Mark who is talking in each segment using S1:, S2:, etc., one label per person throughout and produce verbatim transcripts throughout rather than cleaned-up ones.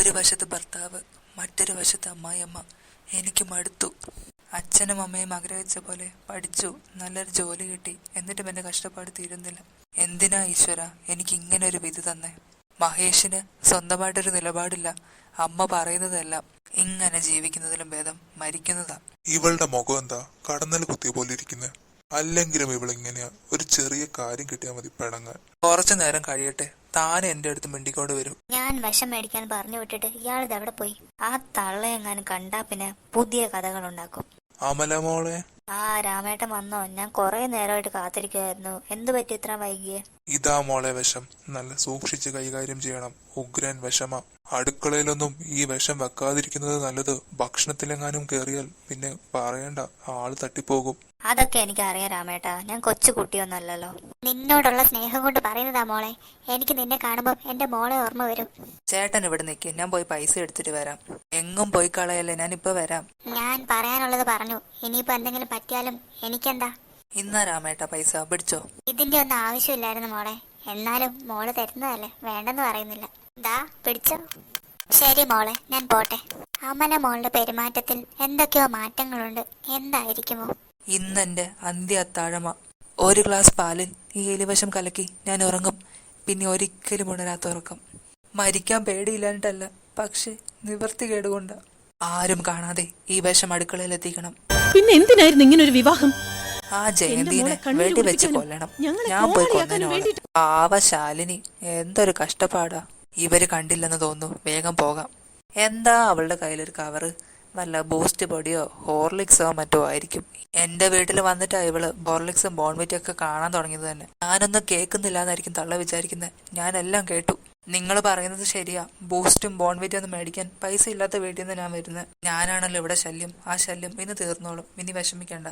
S1: ഒരു വശത്ത് ഭർത്താവ്, മറ്റൊരു വശത്ത് അമ്മായിയമ്മ. എനിക്ക് മടുത്തു. അച്ഛനും അമ്മയും ആഗ്രഹിച്ച പോലെ പഠിച്ചു, നല്ലൊരു ജോലി കിട്ടി. എന്നിട്ടും എന്റെ കഷ്ടപ്പാട് തീരുന്നില്ല. എന്തിനാ ഈശ്വര എനിക്ക് ഇങ്ങനെ ഒരു വിധി തന്നെ? മഹേഷിന് സ്വന്തമായിട്ടൊരു നിലപാടില്ല. അമ്മ പറയുന്നതെല്ലാം. ഇങ്ങനെ ജീവിക്കുന്നതിലും ഭേദം മരിക്കുന്നതാ.
S2: ഇവളുടെ മുഖം എന്താ കടന്നൽ കുത്തിയ പോലെ ഇരിക്കുന്നത്? അല്ലെങ്കിലും ഇവളിങ്ങനെയാ. ഒരു ചെറിയ കാര്യം കിട്ടിയാൽ മതി പിണങ്ങാൻ.
S1: കുറച്ചു നേരം കഴിയട്ടെ, താനെ എന്റെ അടുത്ത് മിണ്ടിക്കൊണ്ട് വരും.
S3: ഞാൻ വിഷം മേടിക്കാൻ പറഞ്ഞു വിട്ടിട്ട് ഇയാളിത് എവിടെ പോയി? ആ തള്ളയെങ്ങാനും കണ്ടാ പിന്നെ പുതിയ കഥകൾ ഉണ്ടാക്കും.
S2: അമല മോളെ.
S3: ആ രാമേട്ടൻ വന്നോ? ഞാൻ കൊറേ നേരമായിട്ട് കാത്തിരിക്കുവായിരുന്നു. എന്തു പറ്റി ഇത്ര വൈകിയേ?
S2: ഇതാ മോളെ വിഷം. നല്ല സൂക്ഷിച്ച് കൈകാര്യം ചെയ്യണം. ഉഗ്രൻ വിഷമ. അടുക്കളയിലൊന്നും ഈ വിഷം വെക്കാതിരിക്കുന്നത് നല്ലത്. ഭക്ഷണത്തിലെങ്ങാനും കേറിയാൽ പിന്നെ പറയണ്ട, ആള് തട്ടിപ്പോകും.
S3: അതൊക്കെ എനിക്ക് അറിയാം രാമേട്ടാ, ഞാൻ കൊച്ചു കുട്ടിയൊന്നല്ലല്ലോ. നിന്നോടുള്ള സ്നേഹം കൊണ്ട് പറയുന്നതാ മോളെ. എനിക്ക് നിന്നെ കാണുമ്പോ എന്റെ മോളെ ഓർമ്മ വരും.
S1: ചേട്ടൻ ഇവിടെ നിൽക്കും, ഞാൻ പോയി പൈസ എടുത്തിട്ട് വരാം. എങ്ങും പോയി കളയല്ലേ, ഞാൻ ഇപ്പൊ വരാം.
S3: ഞാൻ പറയാനുള്ളത് പറഞ്ഞു. ഇനിയിപ്പോ എന്തെങ്കിലും പറ്റിയാലും എനിക്കെന്താ?
S1: ഇന്നാ രാമേട്ട പൈസ പിടിച്ചോ.
S3: ഇതിന്റെ ഒന്നും ആവശ്യമില്ലായിരുന്നു മോളെ. എന്നാലും മോള് തരുന്നതല്ലേ, വേണ്ടെന്ന് പറയുന്നില്ല. ദാ പിടിച്ചോ. ശരി മോളെ, ഞാൻ പോട്ടെ. അമല മോളുടെ പെരുമാറ്റത്തിൽ എന്തൊക്കെയോ മാറ്റങ്ങളുണ്ട്. എന്തായിരിക്കുമോ?
S1: ഇന്നെന്റെ അന്ത്യ അത്താഴമ. ഒരു ഗ്ലാസ് പാലിൽ ഈ എലിവശം കലക്കി ഞാൻ ഉറങ്ങും. പിന്നെ ഒരിക്കലും ഉണരാത്ത ഉറക്കം. മരിക്കാൻ പേടിയില്ലാഞ്ഞിട്ടല്ല, പക്ഷെ നിവർത്തി കേടുകൊണ്ട. ആരും കാണാതെ ഈ വിഷം അടുക്കളയിൽ എത്തിക്കണം.
S4: പിന്നെ എന്തിനായിരുന്നു ഇങ്ങനെ ഒരു വിവാഹം?
S1: ആ ജയന്തിനെ വെടിവെച്ച് കൊല്ലണം. ഞാൻ പോയി കൊന്നതിനോട്. പാവശാലിനി, എന്തൊരു കഷ്ടപ്പാടാ. ഇവര് കണ്ടില്ലെന്ന് തോന്നുന്നു. വേഗം പോകാം. എന്താ അവളുടെ കയ്യിലൊരു കവറ്? വല്ല ബൂസ്റ്റ് പൊടിയോ ഹോർലിക്സോ മറ്റോ ആയിരിക്കും. എന്റെ വീട്ടിൽ വന്നിട്ടാ ഇവള് ഹോർലിക്സും ബോൺവിറ്റും ഒക്കെ കാണാൻ തുടങ്ങിയത് തന്നെ. ഞാനൊന്നും കേൾക്കുന്നില്ല എന്നായിരിക്കും തള്ള വിചാരിക്കുന്നത്. ഞാനെല്ലാം കേട്ടു. നിങ്ങൾ പറയുന്നത് ശരിയാ. ബൂസ്റ്റും ബോൺവിറ്റും ഒന്നും മേടിക്കാൻ പൈസ ഇല്ലാത്ത വീട്ടിൽ നിന്ന് ഞാൻ വരുന്നത്. ഞാനാണല്ലോ ഇവിടെ ശല്യം. ആ ശല്യം ഇന്ന് തീർന്നോളും. ഇനി വിഷമിക്കണ്ട.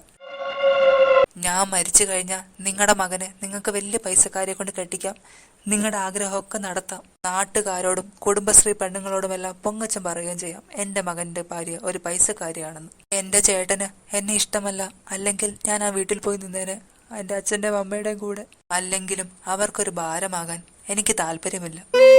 S1: ഞാൻ മരിച്ചു കഴിഞ്ഞാൽ നിങ്ങളുടെ മകനെ നിങ്ങൾക്ക് വലിയ പൈസക്കാരെ കൊണ്ട് കെട്ടിക്കാം. നിങ്ങളുടെ ആഗ്രഹമൊക്കെ നടത്താം. നാട്ടുകാരോടും കുടുംബശ്രീ പെണ്ണുങ്ങളോടുമെല്ലാം പൊങ്ങച്ചം പറയുകയും ചെയ്യാം എന്റെ മകന്റെ ഭാര്യ ഒരു പൈസക്കാരിയാണെന്ന്. എന്റെ ചേട്ടന് എന്നെ ഇഷ്ടമല്ല. അല്ലെങ്കിൽ ഞാൻ ആ വീട്ടിൽ പോയി നിന്നേനെ, എന്റെ അച്ഛന്റെ അമ്മയുടെയും കൂടെ. അല്ലെങ്കിലും അവർക്കൊരു ഭാരമാകാൻ എനിക്ക് താല്പര്യമില്ല.